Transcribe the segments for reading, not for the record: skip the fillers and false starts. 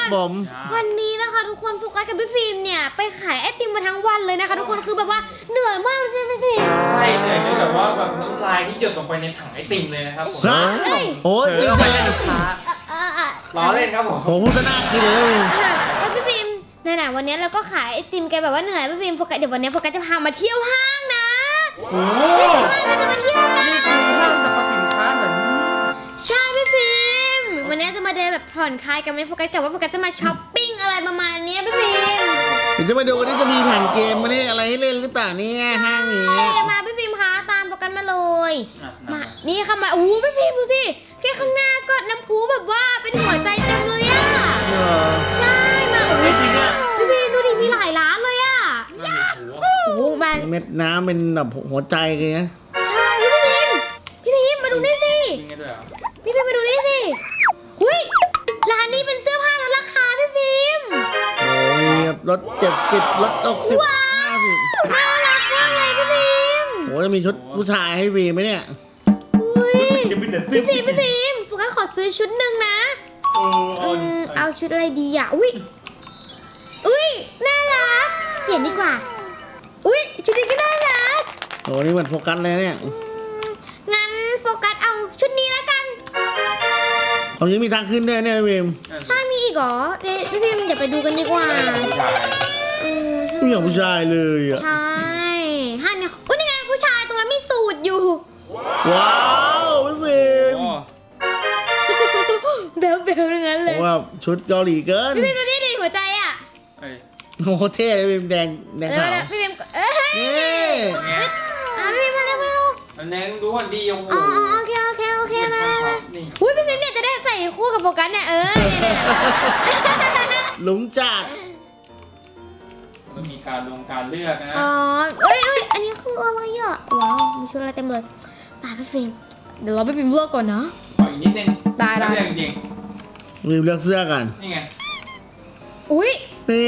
ผมวันนี้นะคะทุกคนโฟกัสกับพี่ฟิล์มเนี่ยไปขายไอติมมาทั้งวันเลยนะคะทุกคนคือแบบว่าเหนื่อยมากเลยใช่ไหมพี่ฟิล์มใช่เหนื่อยจนแบบว่าแบบน้ำลายที่หยดลงไปในถังไอติมเลยนะครับผมโอ้ยเผลอไปเป็นลูกค้าล้อเล่นครับผมผมพูดซะน่ากินเลยแล้วพี่ฟิล์มไหนๆวันนี้เราก็ขายไอติมแกแบบว่าเหนื่อยพี่ฟิล์มโฟกัสเดี๋ยววันนี้โฟกัสจะพามาเที่ยวห้างนะโอ้โหเราจะมาเที่ยวกันนี่คือห้างสรรพสินค้าเหมือนใช่พี่ฟิล์มวันนี้จะมาเดินแบบผ่อนคลายกันไม่โฟกัสกับว่าโฟกัสจะมาช้อปปิ้งอะไรประมาณนี้พี่ฟิล์มเดี๋ยวจะมาดูกันนี่จะมีแผ่นเกมมาเนี่ยอะไรให้เล่นหรือเปล่าเนี่ยห้างนี้จะมาพี่ฟิล์มคะตามโฟกัสมาเลยมานี่ค่ะมาอู้พี่ฟิล์มดูสิแค่ข้างหน้าก็น้ำพุแบบว่าเป็นหัวใจเต็มเลยอ่ะใช่มาโอ้ยพี่ฟิล์มดูดิมีหลายร้านเลยอ่ะโอ้โหมาเม็ดน้ำเป็นแบบหัวใจเลยนะใช่พี่ฟิล์มมาดูนี่สิจริงไงด้วยเหรอพี่ฟิล์มมาดูนี่สิหุ้ยร้านนี้เป็นเสื้อผ้าลดราคาพี่ฟิล์มโอ้ยรถ70รถ60 50 น่ารักมากเลยพี่ฟิล์มโอ้จะมีชุดผู้ชายให้วีไหมเนี่ยอุ้ยจะเป็นเด็ดพี่ฟิล์มโฟกัสขอซื้อชุดหนึ่งนะเอาชุดอะไรดีอ่ะอุ้ยน่ารักเปลี่ยนดีกว่าอุ้ยชุดนี้ก็น่ารักโอ้นี่เหมือนโฟกัสเลยเนี่ยงั้นโฟกัสเอาชุดนี้แล้วกันเขายังมีทางขึ้นด้วยเนี่ยวีมใช่มีอีกเหรอเดี๋ยวพี่ฟิล์มอย่าไปดูกันดีกว่าเออไม่อยากผู้ชายเลยอ่ะใช่ห้าเนี่ยอุ้ยนี่ไงผู้ชายตรงนั้นมีสูตรอยู่ว้าวพี่วีมเบลทั้งนั้นเลยว่าชุดเกาหลีเกินพี่ฟิล์มดูนี่ดิหัวใจอ่ะโอ้โหเท่เลยวีมแดงขาวพี่ฟิล์มเอ้ยนี่พี่ฟิล์มมาเร็วอันนี้ดูก่อนดีโอ้โหอ๋อโอเคมาอุ้ยพี่ฟิล์มเนี่ยจะได้ใส่คู่กับโฟกัสเนี่ยหลุงจัดมันมีการเลือกนะอ๋อเอ้ยอันนี้คืออะไรอ่ะว้าวมีชุดอะไรเต็มเลยป่าพี่ฟิล์มเดี๋ยวเราไปฟิล์มเลือกก่อนนะขออีกนิดนึงได้เลือกจริงวีมเลือกเสื้อกันๆนี่ไงอุ้ยนี่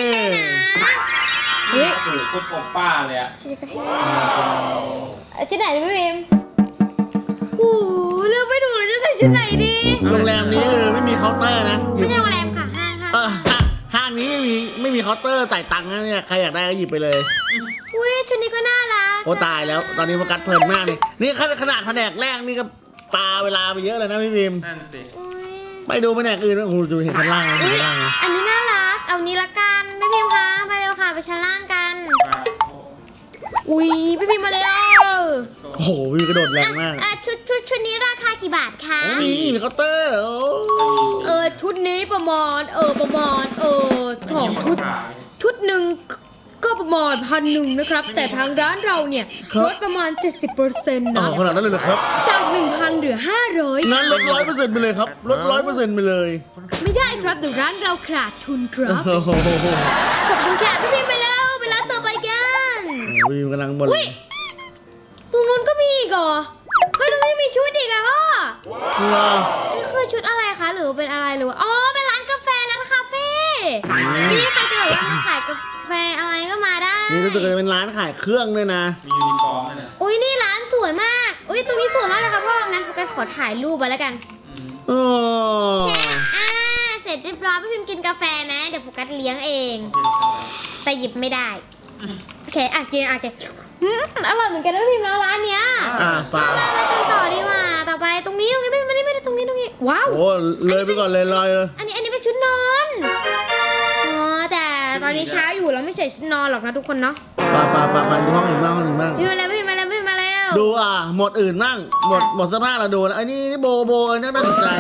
เฮ้ยโอ้โหโคตรโอป้าเลยอะชุดนี้ก็เท่ชุดไหนดีพี่ฟิล์มโอ้เลือกไม่ถูกเลยจะใส่ชุดไหนดีโรงแรมนี้ไม่มีเคาน์เตอร์นะไม่ใช่โรงแรมค่ะห้างห้างนี้ไม่มีเคาน์เตอร์จ่ายตังค์นะเนี่ยใครอยากได้ก็หยิบไปเลยอุ้ยชุดนี้ก็น่ารักโอ้ตายแล้วตอนนี้โฟกัสเพลินมากเลยนี่ขนาดแผนกแรกนี่ก็ปาเวลาไปเยอะเลยนะพี่พิมนั่นสิอุ้ยไปดูแผนกอื่นโอ้โหดูเห็นข้างล่างนะอุ้ยข้างล่างนะอันนี้น่ารักเอานี้ละกันพี่พิมพ์คะมาเร็วค่ะไปชั้นล่างกัน อุ้ยพี่พิมพ์มาเร็วโอ้โหวิวกระโดดแรงมากชุดนี้ราคากี่บาทคะโอ้มีเคาน์เตอร์โอ้ชุดนี้ประมาณสองชุดหนึ่งก็ประมาณ1,100นะครับแต่ทางร้านเราเนี่ยลดประมาณ 70% อ๋อนะขนาดนั้นเลยเหรอครับจาก 1,000 เหลือ 500 งั้นลด100%ไปเลยครับลด100%ไปเลยไม่ได้ครับเดี๋ยวร้านเราขาดทุนครับโอ้โหขอบคุณค่ะพี่พิมพ์ไปแล้วไปร้านต่อไปกันวิวกำลังบนอุ้ยตรงนู้นก็มีอีกเหรอเฮ้ยตรงนี้มีชุดอีกอะพ่อว้าวนี่คือชุดอะไรคะหรือเป็นอะไรหรือว่าอ๋อเป็นร้านกาแฟร้านคาเฟ่นี่ใครจะแบบว่ามาขายกาแฟอะไรก็มาได้นี่รู้สึกจะเป็นร้านขายเครื่องด้วยนะมียูนิฟอร์มด้วยนะอุ้ยนี่ร้านสวยมากอุ้ยตรงนี้สวยมากเลยค่ะพ่องั้นโฟกัสขอถ่ายรูปไว้แล้วกันโอ้แชร์เสร็จเรียบร้อยพี่พิมพ์กินกาแฟนะเดี๋ยวโฟกัสเลี้ยงเอง แต่หยิบไม่ได้โอเคกินอร่อยเหมือนกันนะพี่พิมพ์แล้วร้านเนี้ยฟังไปกันต่อดีกว่าต่อไปตรงนี้ไม่ได้ตรงนี้ว้าวโอ้เลยไปก่อนเลยลอยเลยอันนี้เป็นชุดนอนอ๋อแต่ตอนนี้เช้าอยู่เราไม่ใส่ชุดนอนหรอกนะทุกคนเนาะป่าดูห้องอื่นบ้างพี่มาแล้วดูหมดอื่นบ้างหมดเสื้อผ้าเราดูนะไอ้นี่โบอันนี้น่าสนใจ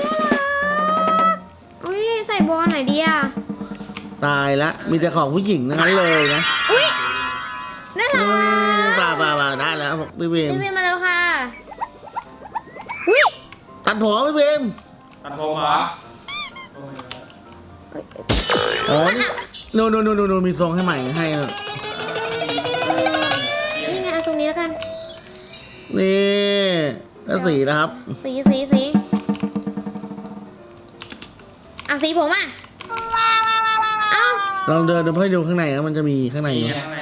อุ้ยใส่โบว์ไหนดีอ่ะตายละมีแต่ของผู้หญิงทั้งนั้นเลยนะอุ้ยน่ารักป่าได้แล้วพี่เวมพี่มาแล้วค่ะอุ้ยตัดผมพี่เวมตัดผมเหรออ๋อนี่โนมีทรงให้ใหม่ให้นี่ไงเอาทรงนี้แล้วกันนี่แล้วสีนะครับสีสีผมอ่ะเอาลองเดินให้ดูข้างในนะมันจะมีข้างในมีอยู่ข้างใน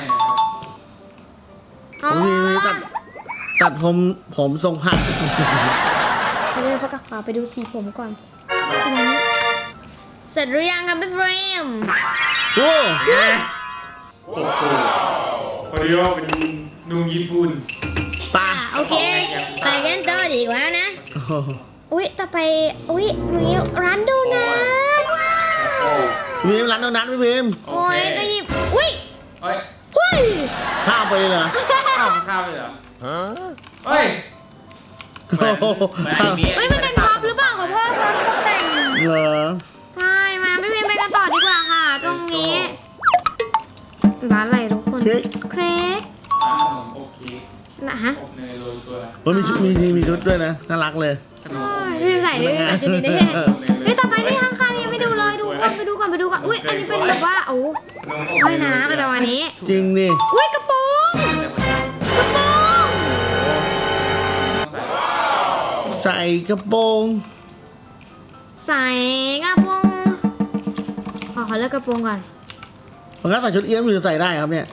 อ๋อมีตัดผมทรงผักเดี๋ยวโฟกัสขวาไปดูสีผมก่อนเสร็จหรือยังครับพี่เฟรมโอ้โอ้โหพอดีว่าเป็นนุ่มญี่ปุ่นปลาโอเคไปกันต่อดีกว่านะโอ้โหอุ้ยต่อไปอุ้ยนี่ร้านโดนัทพี่พิมร้านโดนัทพี่พิมโอ้ยจะหยิบอุ้ยเฮ้ยอุ้ยข้ามไปเลยเหรอข้าวเลยเหรอเฮ้ยโอ้โหเฮ้ยมันเป็นพ็อปหรือเปล่าขอโทษพ็อปตกแต่งเหรอใช่มาพี่พิมไปกันต่อดีกว่าค่ะ ตรงนี้ร้านอะไรทุกคนเค้กเค้กขนมโอเคนะฮะอบเนยโรยตัวมันมีชุดมีชุดด้วยนะน่ารักเลยขนมอบพี่เนพิยมใส่ดิพี่พิมใส่ชุดนี้ได้ไงเฮ้ยต่อไปนี่ข้างๆยังไม่ดูเลยดูก่อนไปดูก่อนไปดูก่อนอุ้ยอันนี้เป็นแบบว่าโอ้ไม่นะอะไรประมาณนี้จริงดิอุ้ยกระโปรงกระโปรงใส่กระโปรงใส่กระโปรงขอเลือกกระโปรงก่อนมันก็ใส่ชุดเอี้ยมอยู่ใส่ได้ครับเนี่ย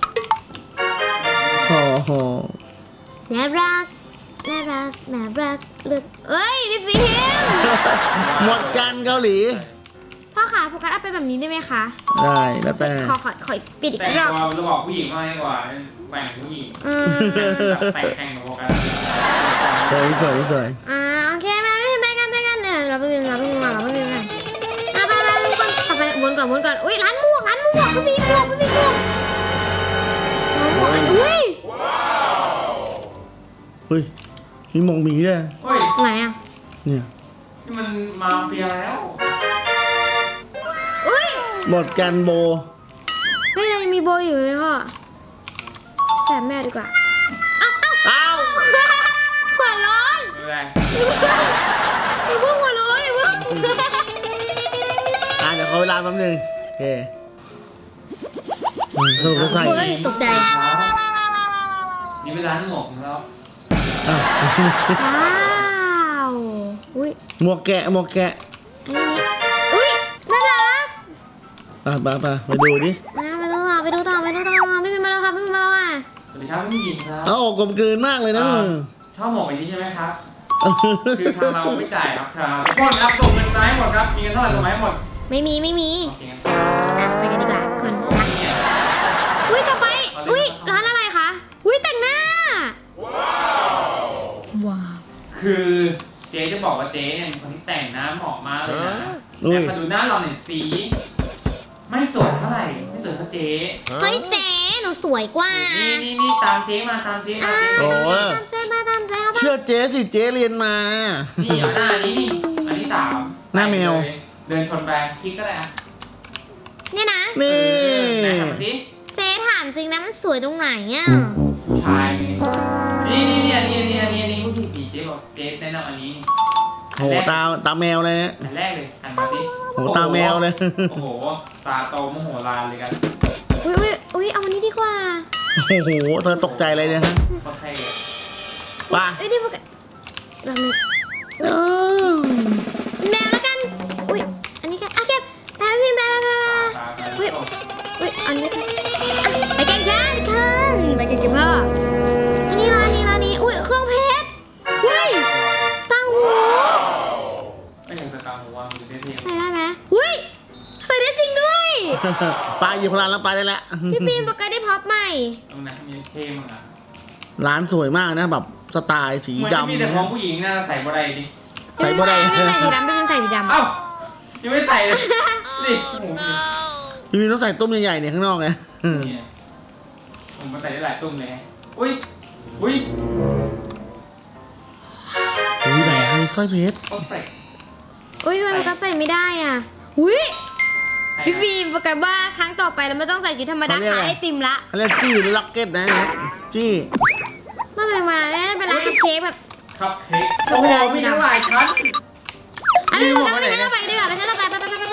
โอ้โหน่ารักน่ารักน่ารักเลือกเอ้ยพี่ฟิล์มหมดกันเกาหลีพ่อขาโฟกัสเอาไปแบบนี้ได้ไหมคะได้แล้วแต่ขอปิดอีกแต่งรอบตัวจะบอกผู้หญิงมากกว่าแบ่งผู้หญิงอืมแต่งแข่งกับพวกกันสวยโอเคมาไม่ไปกันเนี่ยเราไปเป็นกันไปทุกคนต่อไปวนก่อนอุ้ยร้านหมวกพี่ฟิล์มหมวกอุ้ยเฮ้ยมีหมงหมีด้วยเฮ้ยไหนอ่ะเนี่ยนี่มันมาเฟียแล้วอุ้ยหมดกันโบเฮ้ยยังมีโบอยู่เลยพ่อแต่แม่ดีกว่าอ้าวหัวร้อนไม่เป็นไรอย่าเพิ่งหัวร้อนอย่าเพิ่งเดี๋ยวขอเวลาแป๊บนึงโอเคสรุปก็ใส่โอ้ยตกใจนี่เป็นร้านหมวกของเราอ้าวว้าวอุ้ยหมวกแกะอันนี้อุ้ยน่ารักไปดูดิไปดูต่อไม่เป็นมาแล้วค่ะสวัสดีครับผู้หญิงครับเอ้ากลมกลืนมากเลยนะมึงชอบหมวกแบบนี้ใช่ไหมครับ คือทางเราไม่จ่ายครับทางทุกคนครับส่งเงินมาให้หมดครับมีเงินเท่าไหร่ส่งมาให้หมดไม่มีโอเคครับไปกันดีกว่าคนโอเคอุ้ยต่อไปอุ้ยร้านอะไรคะอุ้ยแต่งหน้าว้าวคือเจ๊จะบอกว่าเจ๊เนี่ยเป็นคนที่แต่งหน้าเหมาะมากเลยนะอุ้ยแต่มาดูหน้าเราหน่อยสิไม่สวยเท่าไหร่ไม่สวยเท่าเจ๊เฮ้ยเจ๊หนูสวยกว่านี่ตามเจ๊มาตามเจ๊มาเจ๊โอ้เจ๊ตามเจ๊เข้าไปเชื่อเจ๊สิเจ๊เรียนมานี่เอาหน้านี้นี่อันที่สามหน้าแมวเดินชนไปคลิกก็ได้อะเนี่ยนะนี่ไหนทำมาสิเจ๊ถามจริงนะมันสวยตรงไหนอ่ะผู้ชายไงนี่อันนี้ผู้ถูกดีเจ๊บอกเจ๊แนะนำอันนี้นี่โหตาแมวเลยเนี่ยอันแรกเลยหันมาสิโหตาแมวเลยโอ้โหตาโตมโหฬารเลยกันอุ้ยเอาอันนี้ดีกว่าโอ้โหเธอตกใจเลยเนี่ยฮะโคตรเท่เลยป่ะเอ้ยนี่พวกเราเลยเออแมวแล้วกันอุ้ยอันนี้กันอ่ะเก็บไปพี่แมวตาอุ้ยโตอุ้ยอันนี้กันไปกันจ้าทุกคนไปกันกับพ่ออันนี้ร้านนี้อุ้ยเครื่องเพชรอุ้ยตังหูไม่อยากจะตามหัวมันจะเท่ใส่ได้ไหมอุ้ยใส่ได้จริงด้วยปลาอยู่พลานแล้วไปได้แล้วพี่ฟิล์มปกติได้พร็อพใหม่ตรงนั้นมีเท่มั้งอ่ะร้านสวยมากนะแบบสไตล์สีเหมือนจะดำมีแต่ของผู้หญิงน่าใส่บ่ได้ดิใส่บ่ได้ไม่ใส่สีดำไม่ใส่สีดำเอ้ายังไม่ใส่เลยนี่โอ้โหพี่มีต้องใส่ตุ้มใหญ่ๆเนี่ยข้างนอกไงนี่ผมมาใส่ได้หลายตุ้มเลยอุ้ยโอ้ยใหญ่ให้สร้อยเพชรเขาใส่อุ้ยทำไมปกติใส่ไม่ได้อ่ะอุ้ยพี่ฟิล์มปกติว่าครั้งต่อไปเราไม่ต้องใส่ชุดธรรมดาขายไอติมละเขาเรียกจี้หรือล็อกเก็ตนะจี้น่าจะมาแล้วเป็นร้านคัพเค้กแบบครับเค้กโอ้โหมีทั้งหลายชั้นอันนี้ปกติไม่ต้องไปดีกว่าไปชั้นต่อไปไปโอ้โห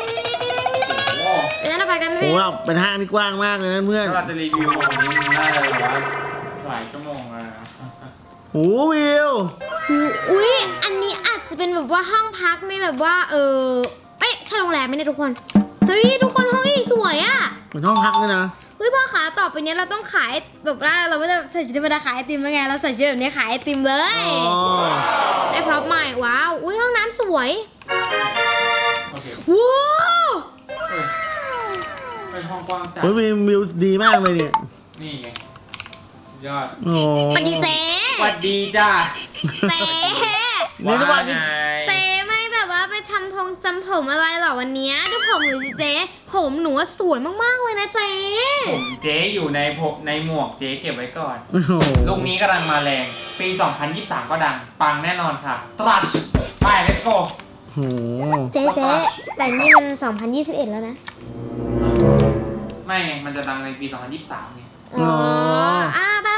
ไปชั้นต่อไปกันโอ้พี่โหเป็นห้างที่กว้างมากเลยนะเพื่อนถ้าเราจะรีวิวของนี้น่าจะแบบว่าหลายชั่วโมงเลยนะโอ้วิวอุ้ยอันนี้อาจจะเป็นแบบว่าห้องพักในแบบว่าเอ๊ะใช่โรงแรมไหมเนี่ยทุกคนเฮ้ยทุกคนห้องนี้สวยอ่ะเหมือนห้องพักเลยนะเฮ้ยพ่อขาต่อไปเนี้ยเราต้องขายแบบว่าเราไม่ได้ใส่ชุดธรรมดาขายไอติมแล้วไงเราใส่ชุดแบบนี้ขายไอติมเลยอ๋อได้พร็อพใหม่ว้าวอุ้ยห้องน้ำสวยโอเคว้าวเฮ้ยเป็นห้องกว้างจัดเฮ้ยวิวดีมากเลยเนี่ยนี่ไงยอดโอ้สวัสดีเจ๊สวัสดีจ้าเจ๊นี่ทุกวันไงเจ๊ไม่แบบว่าไปจำผมอะไรหรอวันเนี้ยดูผมหนูสิเจ๊ผมหนูว่าสวยมากๆเลยนะเจ๊ผมเจ๊อยู่ในหมวกเจ๊เก็บไว้ก่อนโอ้โหลูกนี้กำลังมาแรง ปี 2023 ก็ดัง ปังแน่นอนค่ะ ตรัสไป let's go โอ้โหเจ๊แต่นี่มัน 2021 แล้วนะไม่ไง มันจะดังในปี 2023ไงอ๋อไป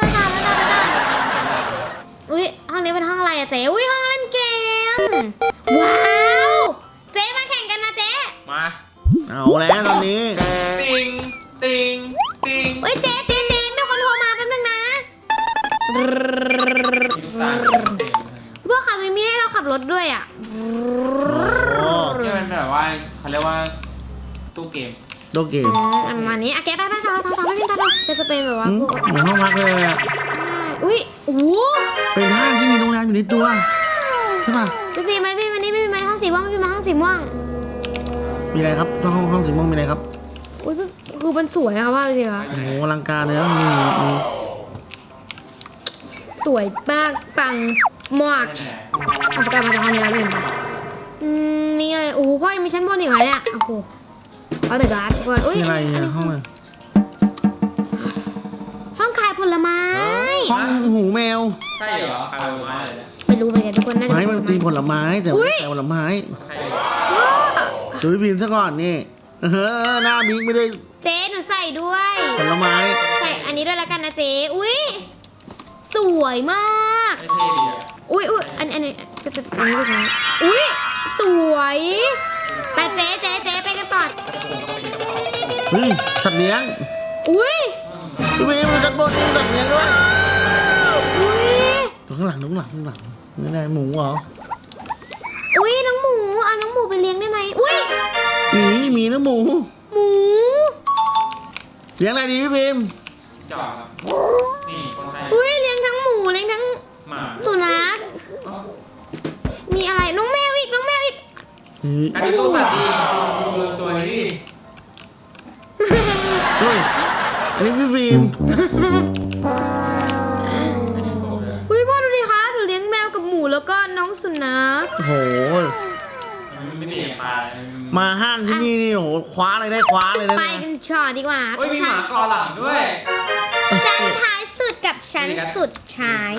อุ้ยห้องนี้เป็นห้องอะไรอะเจ๊อุ้ยห้องเล่นเกมว้าวเจ๊มาแข่งกันนะเจ๊มาเอาแล้วตอนนี้ติงติงติงอุ้ยเจ๊มีคนโทรมาแป๊บนึงนะมีทุกตาเต็มพวกเขาจะมีให้เราขับรถด้วยอ่ะโอ้นี่มันแบบว่าเขาเรียกว่าตู้เกมโตเกมอันมานี้อะแกไปต่อไม่เป็นต่อจะเป็นแบบว่าพวกเหมือนห้องพักเลยอะอุ้ยโอ้โหเป็นห้างที่มีโรงแรมอยู่ในตัวใช่ป่ะพี่พีไหมพี่วันนี้พี่พีไหมห้องสีม่วงพี่มาห้องสีม่วงมีอะไรครับห้องสีม่วงมีอะไรครับอุ้ยคือมันสวยอะว่าเลยสิคะโอ้โหอลังการเลยนะมีสวยมากปังมากแน่เอาประกาศมาจากห้องนี้แล้วเห็นปะนี่เลยโอ้โหพ่อยังมีชั้นบนอีกไหมเนี่ยโอ้โหเอาแต่การ์ดก่อนอุ้ยมีอะไรอะห้องอะไรห้องขายผลไม้ห้องหูแมวๆใช่เหรอใครเอามาเลยเนี่ยไม่รู้เหมือนกันทุกคนน่าจะไม้มันตีผลไม้แต่ไม่ใช่ผลไม้ใครดูพี่พิมพ์ซะก่อนนี่หน้าบิ๊กไม่ได้เจ๊หนูใส่ด้วยผลไม้ใส่อันนี้ด้วยแล้วกันนะเจ๊อุ้ยสวยมากไม่เท่ดีอ่ะอุ้ยอันนี้ก็จะอันนี้ด้วยนะอุ้ยสวยไปเจ๊ไปกันต่อผมก็เป็นกระเป๋าเฮ้ยสัตว์เลี้ยงอุ้ยพี่พิมพ์จัดบนสัตว์เลี้ยงด้วยอุ้ยดูข้างหลังนี่ไงหมูเหรออุ้ยน้องหมูเอาน้องหมูไปเลี้ยงได้ไหมอุ้ยหมีนะหมูหมูเลี้ยงอะไรดีพี่พิมพ์จอดครับนี่คนไทยอุ้ยเลี้ยงทั้งหมูเลี้ยงทั้งหมาสุนัขมีอะไรน้องแมวอีกอันนี้ตู้สัตว์ดีดูตัวนี้ดิเฮ้ยอันนี้พี่พิมพ์อันนี้โกรธเลยอุ้ยพ่อดูดิคะหนูเลี้ยงแมวกับหมูแล้วก็น้องสุนัขโอ้โหมันไม่เปลี่ยนปลาเลยมาห้างที่นี่นี่โอ้โหคว้าอะไรได้คว้าเลยนะไปกันชอดีกว่าเฮ้ยมีหมาเกอหลังด้วยชั้นท้ายสุดกับชั้นสุดท้าย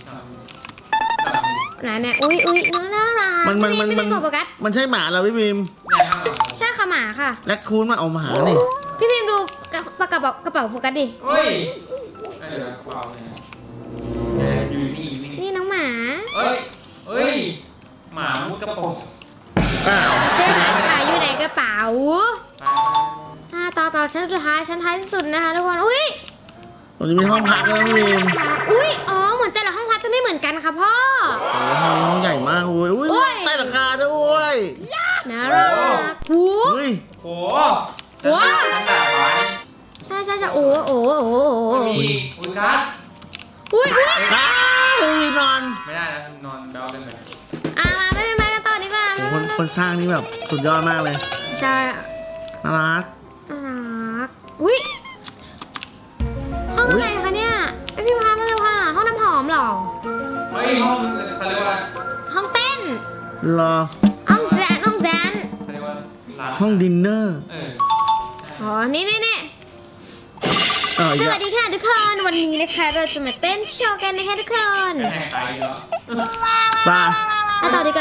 นะเนี่ยอุ้ยน่ารักมันไม่ได้ขอโฟกัสมันใช่หมาเหราพี่พิมพ์ใช่ค่ะหมาค่ะแรคคูนมาเอาหมานี่พี่พิมพ์ดูกระเป๋าโฟกัสดิเฮ้ยเดี๋ยวเปล่าเลยอยู่นี่อยู่นี่นี่น้องหมาเฮ้ยหมามุดกระโปรงอ้าวใช่ไหมหมาอยู่ในกระเป๋าไปต่อชั้นสุดท้ายชั้นท้ายสุดนะคะทุกคนอุ้ยตรงนี้มีห้องพักแล้วพี่พิมพ์อุ้ยอ๋อเหมือนแต่ละห้องพักจะไม่เหมือนกันค่ะพ่อโอ้โหห้องใหญ่มากอุ้ยโอ้ยใต้ราคาด้วยน่ารักหูเฮ้ยโหฉันด่าฟ้านี่ใช่โอ้มีอุกัสอุ้ยอ้าวอุ้ยนอนไม่ได้นะนอนแบลเป็นแบบมาไม่เป็นไรกันต่อดีกว่าโอ้โหคนสร้างนี่แบบสุดยอดมากเลยใช่น่ารักน่ารักอุ้ยห้องอะไรคะเนี่ยไอพี่พามาเลยค่ะห้องน้ำหอมเหรอเฮ้ยห้องเขาเรียกว่าห้องเต้นรอห้องแจนเขาเรียกว่าร้านห้องดินเนอร์อ๋อนี่ต่อสอีกวัสดีค่ะทุกคนวันนี้นะคะเราจะมาเต้นโชว์กันนะคะทุกคนแข่งไปเหรอปลาไปต่อดีกว่า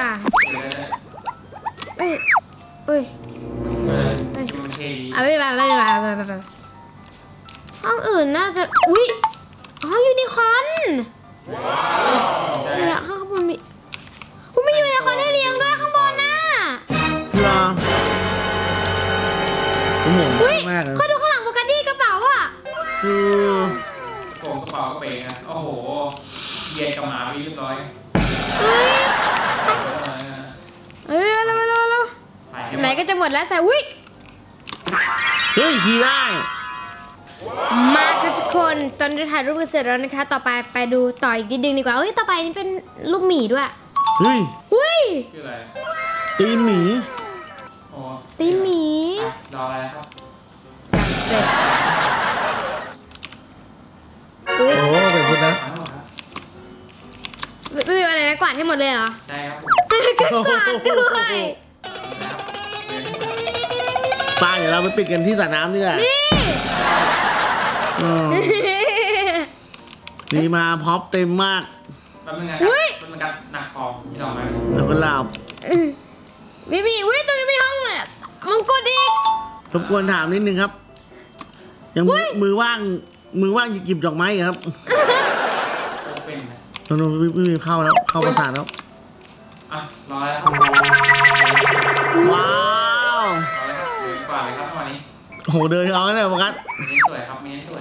เอ้ยมันเท่ดีเอาไปห้องอื่นน่าจะอุ้ยอ๋อยูนิคอร์นเนี่ยข้างบนมีมียูนิคอร์นให้เลี้ยงด้วยข้างบนน่ะรอผมห่วงอุ้ยมากเลยเขาดูข้างหลังโฟกัสดี้กระเป๋าอ่ะคือโกงกระเป๋ากระเป๋งนะโอ้โหเย็นกับหมาไปเรียบร้อยเอ้ยเร็วไหนก็จะหมดแล้วแต่อุ้ยเฮ้ยขี่ได้มาค่ะทุกคนตอนนี้ถ่ายรูปกันเสร็จแล้วนะคะ ต่อไปดูต่ออีกนิดนึงดีกว่าเอ้ยต่อไปนี่เป็นรูปหมีด้วยเฮ้ยอุ้ยชื่ออะไรตีนหมีตีหมีรออะไรครับเสร็จโอ้โหเป็นคุณนะทั้งหมดครับไม่มีอะไรนะกวาดให้หมดเลยเหรอใช่ครับผมก็กวาดด้วยนะครับเดี๋ยวนี้ป้าเดี๋ยวเราไปปิดกันที่สระน้ำดีกว่านี่อืมนี่มาพร็อปเต็มมากแป๊บนึงนะครับมันเป็นการหนักคอพี่น้องไหมแล้วก็ลาบไม่มีอุ้ยตรงนี้มีห้องเนี่ยมังกรอีกรบกวนถามนิดนึงครับ ยังมือว่างหยิบดอกไม้อีกครับโอเป็นนะตอนนู้นไม่มีเข้าแล้วเข้าประสานแล้วอ่ะรอแล้วครับว้าวรอแล้วครับเดินกว่าเลยครับวันนี้โอ้โหเดินเอาเลยโฟกัสมีเน้นสวยครับมีเน้นสวย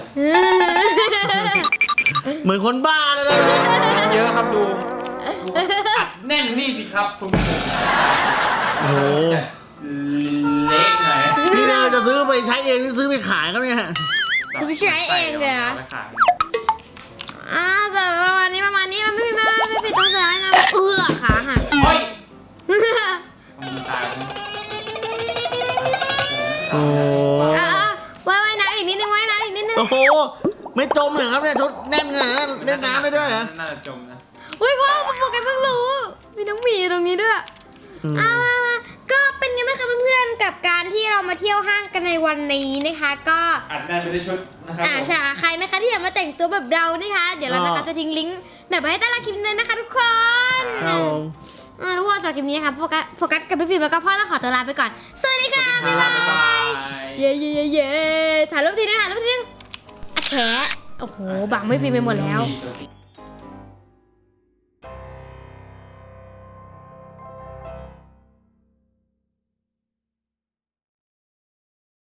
เหมือนคนบ้าเลยนะเยอะครับดูอัดแน่นนี่สิครับคุณผู้ชมโอ้โหจะเล็กหน่อยนะนี่เราจะซื้อไปใช้เองหรือซื้อไปขายครับเนี่ยจะไปใช้เองเลยเหรอไปขายแต่ประมาณนี้มันไม่ผิดต้องใช้นะขาหักเฮ้ยมันตายแล้วโอ้โหว่ายน้ำอีกนิดนึงว่ายน้ำอีกนิดนึงโอ้โหไม่จมเลยครับเนี่ยชุดแน่นขนาดนั้นเล่นน้ำได้ด้วยเหรอน่าจะจมนะอุ้ยพ่อโฟกัสเพิ่งรู้มีน้องหมีตรงนี้ด้วยอืมมาก็เป็นไงบ้างคะเพื่อนๆกับการที่เรามาเที่ยวห้างกันในวันนี้นะคะ ก็อัดได้ไปด้วยชุดนะครับผมใช่ค่ะใครนะคะที่อยากมาแต่งตัวแบบเรานะคะ เดี๋ยวเรานะคะจะทิ้งลิงก์แบบไว้ให้ใต้ล่างคลิปเลยนะคะทุกคนครับผมทุกคนสำหรับคลิปนี้นะคะโฟกัสกับพี่ฟิล์มแล้วก็พ่อต้องขอตัวลาไปก่อนสวัสดีค่ะบ๊ายบาย เย้เย้เย้เย้ถ่ายรูปทีนึงถ่ายรูปทีนึงอะแฉะโอ้โหบังไม่ฟิล์มไปหมดแล้วมี